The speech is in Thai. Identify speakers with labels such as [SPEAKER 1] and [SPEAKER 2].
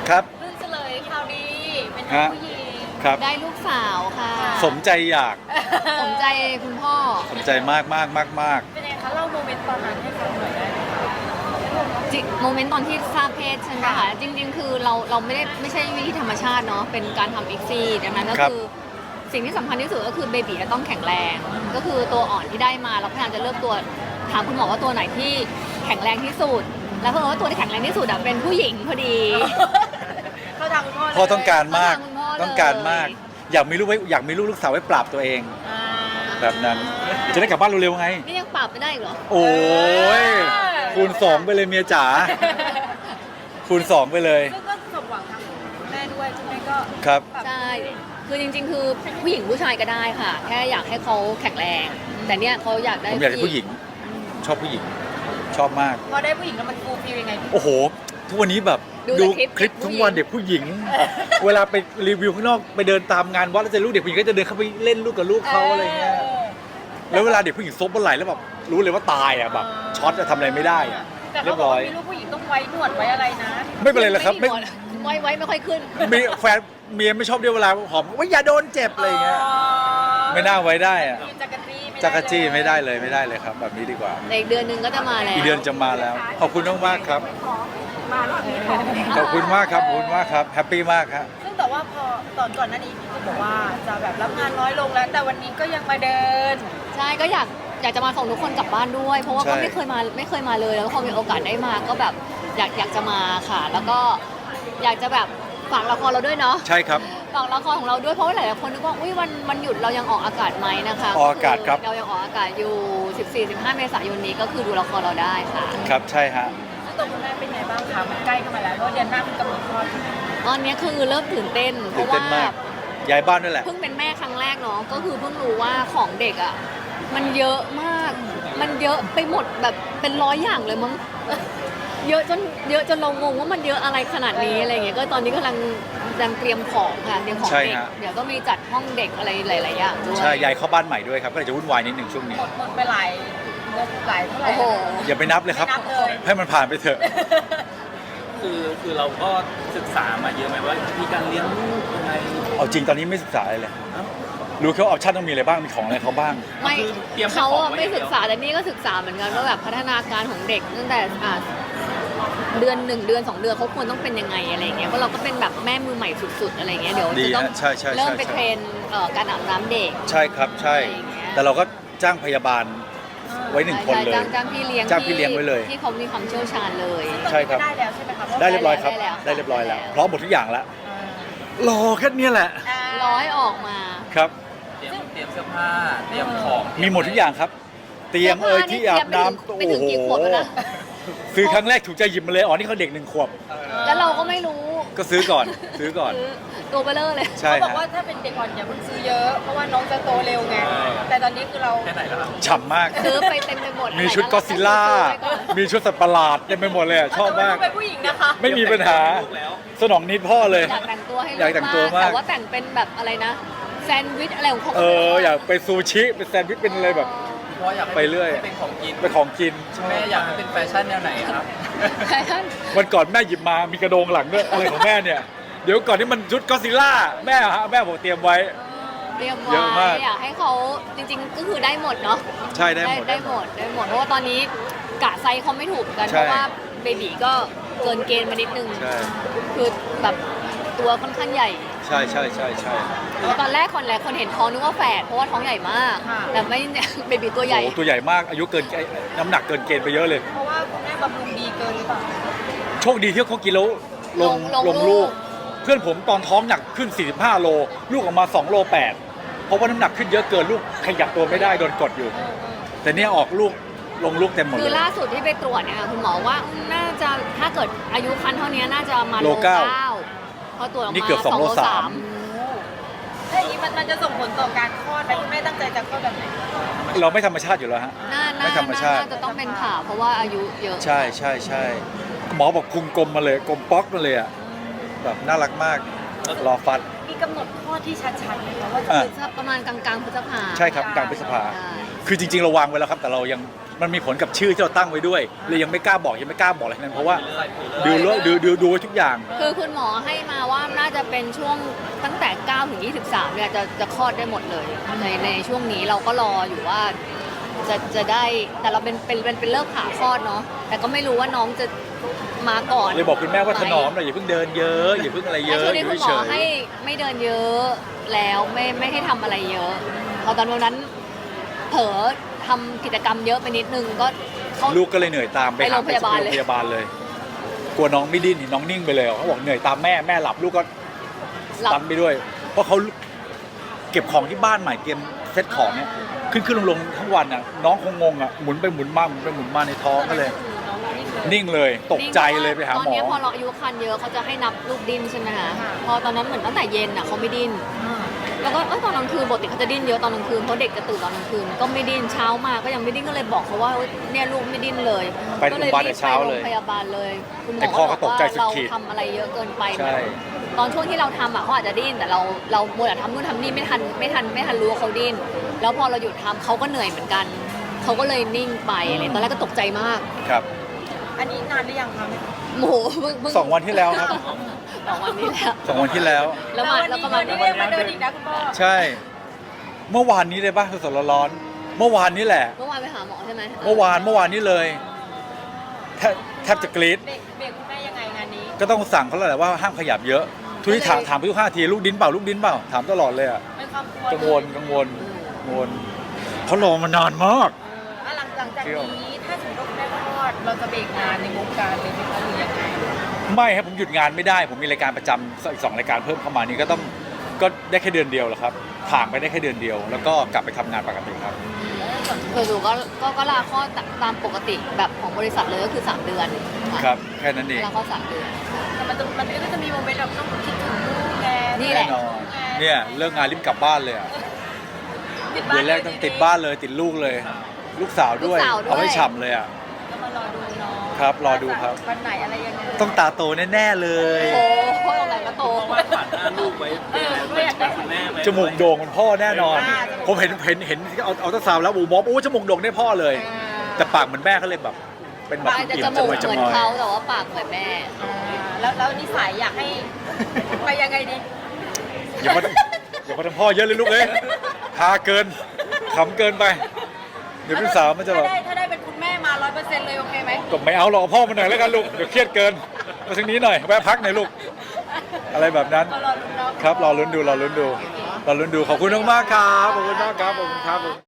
[SPEAKER 1] ครับ
[SPEAKER 2] เพิ่งเฉลยข่าวดีเป็นผู้หญิง
[SPEAKER 1] ครับ
[SPEAKER 3] ได้ลูกสาวค่ะ
[SPEAKER 1] สมใจอยาก
[SPEAKER 3] สมใจคุณพ่อ
[SPEAKER 1] สมใจมากมากมากมาก
[SPEAKER 2] เป็นไงคะเล่าโมเมนต์ตอนนั้นให้ฟังหน่อยได้ไหมคะ
[SPEAKER 3] โมเมนต์ตอนที่ทราบเพศใช่ไหมคะจริงๆคือเราไม่ใช่วิธีธรรมชาติเนาะเป็นการทำอีกซี่ดังนั้นก็คือสิ่งที่สำคัญที่สุดก็คือเบบีจะต้องแข็งแรง ก็คือตัวอ่อนที่ได้มาเราพยายามจะเลือกตัวถามคุณหมอว่าตัวไหนที่แข็งแรงที่สุด แล้วเพราะว่าตัวที่แข็งแรงที่สุดอะเป็นผู้หญิงพอดี
[SPEAKER 2] เข้าทางคุณพ่อเลย
[SPEAKER 1] พ่อต้องการมาก
[SPEAKER 3] เข้าทางคุณพ่อเลย
[SPEAKER 1] ต้องการมาก อยากมีลูกไว้อยากมีลูกสาวไว้ปราบตัวเอง
[SPEAKER 2] อ่า
[SPEAKER 1] แบบนั้น จะได้กลับบ้านเร็วๆไง
[SPEAKER 3] นี่ยังปรับไม่ได้อีกเหรอ
[SPEAKER 1] โอ้ยคูณ2ไปเลยเมียจ๋าคูณ2ไปเลย
[SPEAKER 2] ซึ่งก็สมหวังทั้งแม่ด้วยคุณแม่ก็
[SPEAKER 1] ครับ
[SPEAKER 3] ใช่ คือจริงๆ คือผู้หญิงผู้ชายก็ได้ค่ะ แค่อยากให้เขาแข็งแรง แต่เนี่ยเขาอยากได้
[SPEAKER 1] ผมอยากเป็นผู้หญิง ชอบผู้หญิง ชอบมาก
[SPEAKER 2] พอได้ผู้หญิงแล้วมันฟูลฟิลยังไงพี่
[SPEAKER 1] โอ้โห ทุกวันนี้แบบดูคลิปทุกวันเด็กผู้หญิง เวลาไปรีวิวข้างนอกไปเดินตามงานวัดแล้วเจอลูกเด็กผู้หญิงก็จะเดินเข้าไปเล่นลูกกับลูกเขาอะไรเงี้ย แล้วเวลาเด็กผู้หญิงซบบนไหล่แล้วแบบรู้เลยว่าตายอ่ะแบบช็อตจะทำอะไรไม่ได้อ่ะ
[SPEAKER 2] แต่
[SPEAKER 1] เรี
[SPEAKER 2] เขา
[SPEAKER 1] ยบ
[SPEAKER 2] บอก
[SPEAKER 1] ร้อย
[SPEAKER 2] ว่ามีลูกผู้หญิงต้องไว้หนวดไว้อะไรนะ
[SPEAKER 1] ไม่เป็นไรหรอกครับ
[SPEAKER 3] ไม่
[SPEAKER 1] ไม่
[SPEAKER 3] มีหมดไว้ไม่ค่อยขึ้น
[SPEAKER 1] มีแฟนเมียไม่ชอบด้วยเวลาหอมว่าอย่าโดนเจ็บอะไรเงี้ยไม่น่าไว้ได้อ่ะ
[SPEAKER 2] จักรจี้
[SPEAKER 1] จักรจี้ไม่ได้เลยครับ แบบนี้ดีกว่า
[SPEAKER 3] ในอีกเดือนหนึงก็จะมาแล้ว
[SPEAKER 1] อีกเดือนจะมาแล้ว ขอบคุณมากๆครับ
[SPEAKER 2] มารอบนี้ขอ
[SPEAKER 1] ขอบคุณมากครับขอบคุณมากครับแฮปปี้มากครับ
[SPEAKER 2] ซึ่งแต่ว่าพอตอนก่อนหน้านี้พี่ก็บอกว่าจะแบบรับงานน้อยลงแล้ว แต่วันนี้ก็ยังมาเดิน
[SPEAKER 3] ใช่ก็อยากจะมาส่งทุกคนกลับบ้านด้วย เพราะว่าก็ไม่เคยมาเลยแล้วพอมีโอกาสได้มาก็แบบอยากจะมาค่ะ แล้วก็อยากจะแบบฝากละครเราด้วยเนาะ
[SPEAKER 1] ใช่ครับ
[SPEAKER 3] ฝากละครของเราด้วยเพราะว่าหลายๆคนนึกว่าอุ้ยวันหยุดเรายังออกอากาศไหมนะคะ
[SPEAKER 1] ออกอากาศครับ
[SPEAKER 3] เรายังออกอากาศอยู่ 14-15 เมษายนนี้ก็คือดูละครเราได้ค่ะ
[SPEAKER 1] ครับใช่ฮะ
[SPEAKER 2] ซึ่งตัวคุณแม่เป็นไงบ้างคะมันใกล้เข้ามาแล้วเพราะเดือนหน้ามันกำหนดคลอด
[SPEAKER 3] ตอนนี้คือเริ่มตื่นเต้นเพ
[SPEAKER 1] ตื่น
[SPEAKER 3] ราะ
[SPEAKER 1] เต้
[SPEAKER 3] ว่าน
[SPEAKER 1] มากย้ายบ้านด้วยแหละ
[SPEAKER 3] เพิ่งเป็นแม่ครั้งแรกเนาะก็คือเพิ่งรู้ว่าของเด็กอ่ะมันเยอะมาก มันเยอะไปหมดแบบเป็น100อย่างเลยมั้งเยอะจนเรางงว่ามันเยอะอะไรขนาดนี้อะไรเงี้ยก็ตอนนี้กำลังเตรียมของค่ะเตรียมของ
[SPEAKER 1] ใช่
[SPEAKER 3] เด็ก
[SPEAKER 1] ฮะ
[SPEAKER 3] เดี๋ยวก็มีจัดห้องเด็กอะไรหลายๆอย่างด้วย
[SPEAKER 1] ใช่ย้ายเข้าบ้านใหม่ด้วยครับก็เลยจะวุ่นวายนิดหนึ่งช่วงนี้
[SPEAKER 2] หมดไปหลายเท่าไหร่
[SPEAKER 3] โอ้โห
[SPEAKER 1] อย่าไปนับเลยครับ
[SPEAKER 2] ไม่นับเลย
[SPEAKER 1] ให้มันผ่านไปเถอะ
[SPEAKER 4] คือเราก็ศึกษามาเยอะไหมว่ามีการเลี้ยงลูกยังไง
[SPEAKER 1] เอาจริงตอนนี้ไม่ศึกษาอะไรเลย รู้แค่ว่าออปชั่นต้องมีอะไรบ้าง มีของอะไรเขาบ้าง
[SPEAKER 3] ไม่
[SPEAKER 4] คือเตรียม
[SPEAKER 3] เขา
[SPEAKER 4] ของ
[SPEAKER 3] อะ
[SPEAKER 4] ไว้
[SPEAKER 3] ไม่
[SPEAKER 4] อย่างเดียว
[SPEAKER 3] ศึกษาแต่นี่ก็ศึกษาเหมือนกันว่าแบบพัฒนาการของเด็กตั้งแต่เดือน1 เดือน 2 เดือนเขาควรต้องเป็นยังไงอะไรเงี้ยเพราะเราก็เป็นแบบแม่มือใหม่สุดๆอะไรเงี้ยเดี๋ยว
[SPEAKER 1] ดี
[SPEAKER 3] จะต้อง
[SPEAKER 1] ฮะใช่ใช่
[SPEAKER 3] เริ่มไป
[SPEAKER 1] ใช่
[SPEAKER 3] เทรนการอาบน้ำเด็ก
[SPEAKER 1] ใช่ครับใช่
[SPEAKER 3] อะไรอย่างเงี้ย
[SPEAKER 1] แต่เราก็จ้างพยาบาลไว้หนึ่งคนเลย
[SPEAKER 3] จ้างพี่เลี้ยง
[SPEAKER 1] จ้างพี่เลี้ยงไว้เลย
[SPEAKER 3] ที่เขามีความเชี่ยวชาญเลย
[SPEAKER 1] ใช่ครับ
[SPEAKER 2] ได้แล้วใช่ไหมคะ
[SPEAKER 1] ได้เรียบร้อยครับ
[SPEAKER 3] ได้แล้ว
[SPEAKER 1] ได้เรียบร้อยแล้วพร้อมหมดทุกอย่างแล้วรอแค่เนี้ยแหละ
[SPEAKER 3] ร้อยออกมา
[SPEAKER 1] ครับ
[SPEAKER 4] เตรียมเสื้อผ้า เตรียมของ
[SPEAKER 1] มีหมดทุกอย่างครับ เตรียมที่อาบน้ำ
[SPEAKER 3] ไม่ถึงกี่ขวบแล้วนะ
[SPEAKER 1] ซื้อครั้งแรกถูกใจหยิบมาเลยอ๋อนี่เขาเด็ก1 ขวบ
[SPEAKER 3] แล้วเราก็ไม่รู้
[SPEAKER 1] ก็ซื้อก่อนซื้อก่อน
[SPEAKER 3] ซื้อตัวเบลเลอร์เลย
[SPEAKER 1] ใช่
[SPEAKER 2] เขาบอก
[SPEAKER 1] ฮะ
[SPEAKER 2] ว่าถ้าเป็นเด็กอ่อนอย่าเพิ่งซื้อเยอะ เพราะว่าน้องจะโตเร็วไง แต่ตอนนี้คือเรา
[SPEAKER 4] แค่ไหนแล้วครับ
[SPEAKER 1] ฉ่ำมาก
[SPEAKER 3] ซื้อไปเต็มไปหมด
[SPEAKER 1] มีชุดก็อดซิลล่า มีชุดสัตว์ประหลาดเต็มไปหมดเลยอะชอบมาก
[SPEAKER 2] เป็นผู้หญิงนะคะ
[SPEAKER 1] ไม่มีปัญหา
[SPEAKER 4] ลูกแล้ว
[SPEAKER 1] สนองนิดพ่อเลย
[SPEAKER 3] อยากแต่งตัวให้ลู
[SPEAKER 1] อยากแต่งตัวมาก
[SPEAKER 3] แต่ว่าแต่งเป็นแบบอะไรนะแซนด์วิชอะไรของเขา
[SPEAKER 1] อยากไปซูชิเป็นแซนด์วิชเป็นอะไรแบบ
[SPEAKER 4] เพราะอยากให้
[SPEAKER 1] ไปเรื่อย
[SPEAKER 4] ให้เป็นของกิน
[SPEAKER 1] เป็นของกิน
[SPEAKER 4] แม่อยากให้เป็นแฟชั่นแนวไหนครับ
[SPEAKER 3] แฟชั่น
[SPEAKER 1] วันก่อนแม่หยิบมามีกระโดงหลังด้วยอะไรของแม่เนี่ย เดี๋ยวก่อนที่มันชุดก็อดซิลล่าแม่ฮะแม่บอกเตรียมไว้
[SPEAKER 3] เตรียม
[SPEAKER 1] เยอะ
[SPEAKER 3] ไว้
[SPEAKER 1] มาก
[SPEAKER 3] อยากให้เขาจริงๆก็คือได้หมดเนาะ
[SPEAKER 1] ใช่ได้หมด
[SPEAKER 3] ได้หมดเพราะว่าตอนนี้กะไซส์เขาไม่ถูกกัน
[SPEAKER 1] ใช่
[SPEAKER 3] เพราะว่าเบบีก็เกินเกณฑ์มานิดนึง
[SPEAKER 1] ใช่
[SPEAKER 3] คือแบบตัวค่อนข้างใหญ่
[SPEAKER 1] ใช่ใช่ใช่ใช่
[SPEAKER 3] ตอนแรกคนเห็นท้องนึกว่าแฝดเพราะว่าท้องใหญ่มาก แต่ไม่ เบบีตัวใหญ่
[SPEAKER 1] โอ้ตัวใหญ่มากอายุเกินน้ำหนักเกินเกณฑ์ไปเยอะเลย
[SPEAKER 2] เพราะว่าคุณแม่บำรุงดีเกินหรือเปล่า
[SPEAKER 1] โชคดีที่เขากินแล้วลง
[SPEAKER 3] ลงลู
[SPEAKER 1] ลู
[SPEAKER 3] ก
[SPEAKER 1] ก เพื่อนผมตอนท้องหนักขึ้น 45 โล ลูกออกมา2 โล 8 เพราะว่าน้ำหนักขึ้นเยอะเกินลูกขยับตัวไม่ได้โดนกดอยู่ แต่เนี่ยออกลูกลงลูกเต็มหมด
[SPEAKER 3] คือ
[SPEAKER 1] เลย
[SPEAKER 3] ล่าสุดที่ไปตรวจเนี่ยค่ะคุณหมอว่าน่าจะถ้าเกิดอายุคันเท่านี้น่าจะมา
[SPEAKER 1] โลเก้า
[SPEAKER 3] พอตรวจออก
[SPEAKER 1] นี่
[SPEAKER 3] มา
[SPEAKER 1] เกือบ2 โล 3
[SPEAKER 2] ถ้าอย่างนี้มันจะส่งผลต่อการคลอดไหมคุณแม่ตั้งใจจะคลอดแบบไหน
[SPEAKER 1] เราไม่ธรรมชาติอยู่แล้วฮะ ไม่ธรรมชาติ
[SPEAKER 3] น่าจะต้องเป็นผ่าเพราะว่าอายุเยอะ
[SPEAKER 1] ใช่ใช่ใช่หมอบอกพุงกลมมาเลยกลมป๊อกมาเลยอ่ะแบบน่ารักมากรอฟัด
[SPEAKER 2] มีกำหนดคลอดที่ชัดๆไหมคะว่าจะ
[SPEAKER 1] อ่ะ
[SPEAKER 2] เป็น
[SPEAKER 3] ประมาณกลางๆพฤษภา
[SPEAKER 1] ใช่ครับกลางพฤษภา
[SPEAKER 3] ใช่
[SPEAKER 1] คือจริงๆเราวางไว้แล้วครับแต่เรายังมันมีผลกับชื่อที่เราตั้งไว้ด้วยเลยยังไม่กล้าบอกอะไรทั้งนั้นเพราะว่าดูไว้ทุกอย่าง
[SPEAKER 3] คือคุณหมอให้มาว่าน่าจะเป็นช่วงตั้งแต่9ถึง23เนี่ยจะคลอดได้หมดเลยในช่วงนี้เราก็รออยู่ว่าจะได้แต่เราเป็นเลิกผ่าคลอดเนาะแต่ก็ไม่รู้ว่าน้องจะมาก่อน
[SPEAKER 1] เลยบอกคุณแม่ว่าถนอมหน่อยอย่าเพิ่งเดินเยอะอย่าเพิ่งอะไรเย
[SPEAKER 3] แต่
[SPEAKER 1] อะ
[SPEAKER 3] ช่วง
[SPEAKER 1] อ
[SPEAKER 3] นี้
[SPEAKER 1] ยู่
[SPEAKER 3] คุณหม
[SPEAKER 1] เฉ
[SPEAKER 3] อย ให้ไม่เดินเยอะแล้วไม่ให้ทำอะไรเยอะพอตอนวันนั้นเผลอทำกิจกรรมเยอะไปนิดนึงก็เขา
[SPEAKER 1] ลูกก็เลยเหนื่อยตามไป
[SPEAKER 3] ไปโรงพยาบาลเลย
[SPEAKER 1] โรงพยาบาลเลย กลัวน้องไม่ดิ้นน้องนิ่งไปเลยเขาบอกเหนื่อยตามแม่หลับลูกก็
[SPEAKER 3] หลับ
[SPEAKER 1] ตันไปด้วย เพราะเขาเก็บของที่บ้านใหม่เตรียมเซ็ตของเนี่ยขึ้นลงทั้งวันอ่ะน้องคงงงอ่ะหมุนไปหมุนมาในท้องก็เลย นิ่งเลยตกใจเลยไปหาหม
[SPEAKER 3] ตอน
[SPEAKER 1] อ
[SPEAKER 3] นี้พอเราอายุคันเยอะเขาจะให้นับลูกดิ้นใช่ไหมคะพอตอนนั้นเหมือนตั้งแต่เย็นอ่ะเขาไม่ดิ้นแล้วก็ตอนกลางคืนปกติเขาจะดิ้นเยอะตอนกลางคืนเพราะเด็กจะตื่นตอนกลางคืนก็ไม่ดิ้นเช้ามาก็ยังไม่ดิ้นก็เลยบอกเขาว่าเนี่ยลูกไม่ดิ้นเลย
[SPEAKER 1] ไปโรงพยาบาลแต่เช้าเลย
[SPEAKER 3] ก็รีบไปโรงพยาบาลเลยคุณหม
[SPEAKER 1] ไอ้
[SPEAKER 3] อ
[SPEAKER 1] พ่อก็
[SPEAKER 3] บอก
[SPEAKER 1] ตก
[SPEAKER 3] ว่า
[SPEAKER 1] ใจสุด
[SPEAKER 3] เรา
[SPEAKER 1] ขีด
[SPEAKER 3] ทำอะไรเยอะเกินไป
[SPEAKER 1] ใช่
[SPEAKER 3] ตอนช่วงที่เราทำอ่ะเขาอาจจะดิ้นแต่เรามัวแต่ทำนู่นทำนี่ไม่ทันรู้ว่าเขาดิ้นแล้วพอเราหยุดทำเขาก็เหนื่อยเหมือนกันเขาก็เลยนิ่งไปเลยตอนแรกก็ตกใจมาก
[SPEAKER 1] ครับ
[SPEAKER 2] อันนี้นานหรือยังคะ
[SPEAKER 3] โมโหเพิ่ง
[SPEAKER 1] 2 วันที่แล้วครับ
[SPEAKER 3] 2 วันนี้แล้ว
[SPEAKER 1] 2 วันที่แล้ว
[SPEAKER 3] แล้วก็มา
[SPEAKER 2] วันนี้เรียกมาเดินอีกนะคุณพ่อ
[SPEAKER 1] ใช่ เมื่อวานนี้เลยป่ะสดๆร้อนๆเมื่อวานนี้แหละ
[SPEAKER 3] เมื่อวานไปหาหมอใช่ไหม
[SPEAKER 1] เมื่อวานนี้เลยแทบจะกรี๊ด
[SPEAKER 2] เบรกคุณแม่ยังไงงานนี้
[SPEAKER 1] ก็ต้องสั่งเขาแล้วแหละว่าห้ามขยับเยอะ ทุกที่ถามไปทุก5 ทีลูกดิ้นเปล่าถามตลอดเลยอ่ะ
[SPEAKER 2] เป็นความกลัว
[SPEAKER 1] กังวลเขารอมานานมาก
[SPEAKER 2] หลังจากนี้ถ้าสมมติว่าคุณแม่คลอดเราจะเบรกงานในวงการเลยไหมคะหรือยังไง
[SPEAKER 1] ไม่ครับผมหยุดงานไม่ได้ผมมีรายการประจำอีก2 รายการเพิ่มเข้ามานี่ก็ได้แค่เดือนเดียวแหละครับถ่างไปได้แค่เดือนเดียว แล้วก็กลับไปทำงานปกติครับ
[SPEAKER 3] ส่วนหนูก็ลาคลอดตามปกติแบบของบริษัทเลยก็คือ3 เดือนค่ะ
[SPEAKER 1] ครับแค่นั้นเอง
[SPEAKER 3] ลาคลอด3 เดือน
[SPEAKER 2] แต่มันก็จะมีโมเมนต์แบบต้องคิดถึงลูกแก
[SPEAKER 3] นี่แห
[SPEAKER 1] แน่
[SPEAKER 3] ละ
[SPEAKER 1] นอนเนี่ยเลิกงานรีบกลับบ้านเลยอะเดือนแรกต้องติดบ้านเลยติดลูกเลย ลูกสาวด้วยเอาให้ฉ่ำเลยอ่ะ
[SPEAKER 2] ก็มารอดูเนาะ
[SPEAKER 1] ครับรอดูครับ
[SPEAKER 2] วันไหนอะไรยังไง
[SPEAKER 1] ต้องตาโตแน่ๆเลย
[SPEAKER 3] โอ้โหอะไรก็โต
[SPEAKER 4] วาดฝันหน้าลูกไว้เป็นคุณแม่ไหม
[SPEAKER 1] จมูกโด่งเหมือนพ่อแน่นอน ผมเห็นเอาตาสาวแล้วอูมอบจมูกโด่งได้พ่อเลย แต่ปากเหมือนแม่เขาเลยแบบ เป็นแบบ
[SPEAKER 3] ปากจะ
[SPEAKER 1] อิ่
[SPEAKER 3] จ
[SPEAKER 1] ม
[SPEAKER 3] มูก
[SPEAKER 1] จ
[SPEAKER 3] เหมือน
[SPEAKER 1] มอย
[SPEAKER 3] เขาแต่ว่าปากเหมือนแม่
[SPEAKER 2] แล้วนิสัยอยากให้ไปยังไงดี
[SPEAKER 1] อย่ามาทำพ่อเยอะเลยลูกเอ้ยฮาเกินขำเกินไป เดี๋ยวพี่สาวมันจะแบบ
[SPEAKER 2] ถ้าได้เป็นคุณแม่มา 100%เลยโอเคไหม
[SPEAKER 1] ก็ไม่เอาหรอกเอาพ่อมาหน่อยแล้วกันลูกเดี๋ยวเครียดเกินมาทางนี้หน่อยแวะพักหน่อยลูก อะไรแบบนั้น
[SPEAKER 2] รอลุ้นเนาะ
[SPEAKER 1] ครับรอลุ้นดูขอบคุณมากๆครับขอบคุณมากครับขอบคุณครับ